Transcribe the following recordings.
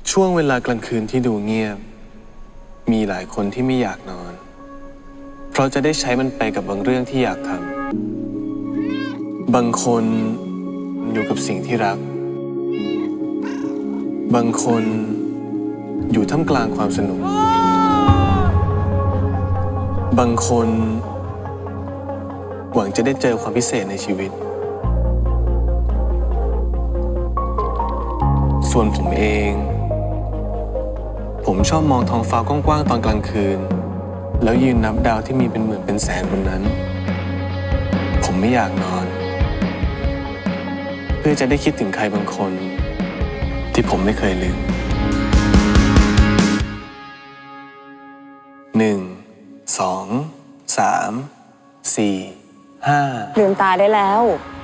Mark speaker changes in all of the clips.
Speaker 1: ช่วงเวลากลางคืนที่ดูเงียบมีหลายคนที่ไม่อยากนอนเพราะจะได้ใช้มันไปกับบางเรื่องที่อยากทำบางคนอยู่กับสิ่งที่รักบางคนอยู่ท่ามกลางความสนุกบางคนหวังจะได้เจอความพิเศษในชีวิตส่วนผมเองผมชอบมองท้องฟ้ากว้างๆตอนกลางคืนแล้วยืนนับดาวที่มีเป็นหมื่นเป็นแสนบนนั้นผมไม่อยากนอนเพื่อจะได้คิดถึงใครบางคนที่ผมไม่เคยลืม1 2 3 4 5
Speaker 2: ลืมตาได้แล้ว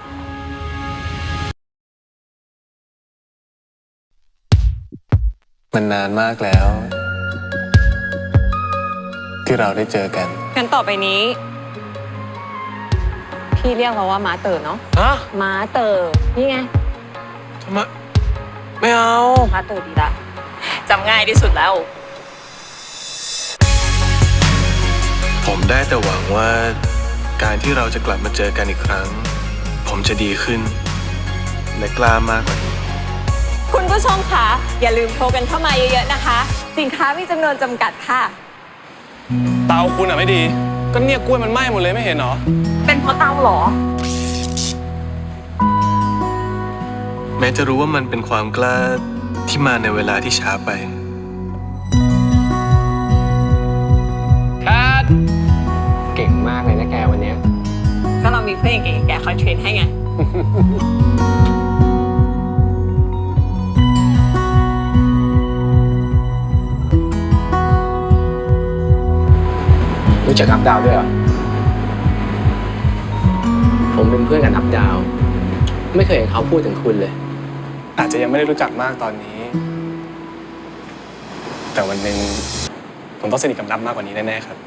Speaker 1: มันนานมากแล้วที่เราได้เจอกัน
Speaker 2: งั้นต่อไปนี้พี่เรียกเราว่าม้าเต๋อเนาะม้าเต๋อนี่ไง
Speaker 1: ทำไมไม่เอา
Speaker 2: ม้าเต๋อดีละจำง่ายที่สุดแล้ว
Speaker 1: ผมได้แต่หวังว่าการที่เราจะกลับมาเจอกันอีกครั้งผมจะดีขึ้นและกล้ามากกว่านี้
Speaker 2: คุณผู้ชมคะอย่าลืมโทรกันเข้ามาเยอะๆนะคะสินค้ามีจำนวนจำกัดค่ะ
Speaker 1: เตาคุณอะไม่ดีก็เนี่ยกล้วยมันไหม้หมดเลยไม่เห็นหรอ
Speaker 2: เป็นเพราะเตาหรอ
Speaker 1: แม้จะรู้ว่ามันเป็นความกล้าที่มาในเวลาที่ช้าไป
Speaker 3: ครับเก่งมากเลยนะแกวันนี้
Speaker 2: ก็เรามีเพื่อนเก่งๆแกคอยเทรนให้ไง
Speaker 3: รู้จักอัพดาวด้วยเหรอผมเป็นเพื่อนกันอัพดาวไม่เคยเห็นเขาพูดถึงคุณเลย
Speaker 1: อาจจะยังไม่ได้รู้จักมากตอนนี้แต่วันหนึ่งผมต้องสนิทกับนับมากกว่านี้แน่ๆครับ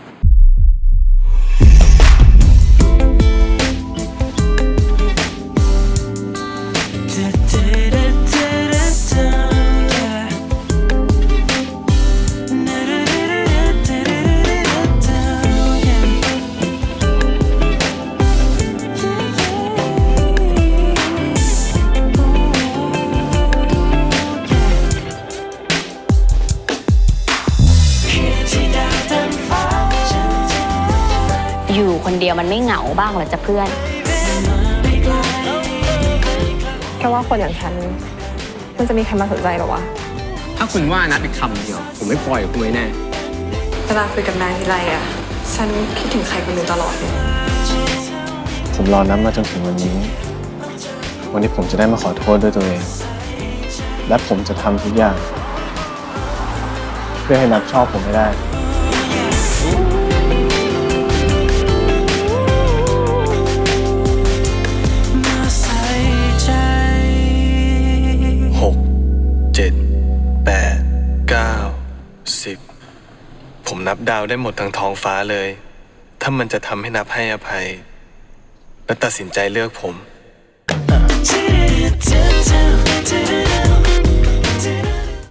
Speaker 4: อยู่คนเดียวมันไม่เหงาบ้างเหรอจ๊ะเพื่อน
Speaker 2: แค่ว่าคนอย่างฉันมันจะมีใครมาสนใจหรอวะ
Speaker 3: ถ้าคุณว่านัดอีกคำเดียวผมไม่ปล่อยคุณไว้แน่
Speaker 2: เวลาคุยกับนายทีไรอ่ะฉันคิดถึงใครคนหนึ่งตลอดเลย
Speaker 1: ผมรอนับมาจนถึงวันนี้วันนี้ผมจะได้มาขอโทษด้วยตัวเองและผมจะทำทุกอย่างเพื่อให้นับชอบผมให้ได้7 8 9 10ผมนับดาวได้หมดทั้งท้องฟ้าเลยถ้ามันจะทำให้นับให้อภัยและตัดสินใจเลือกผม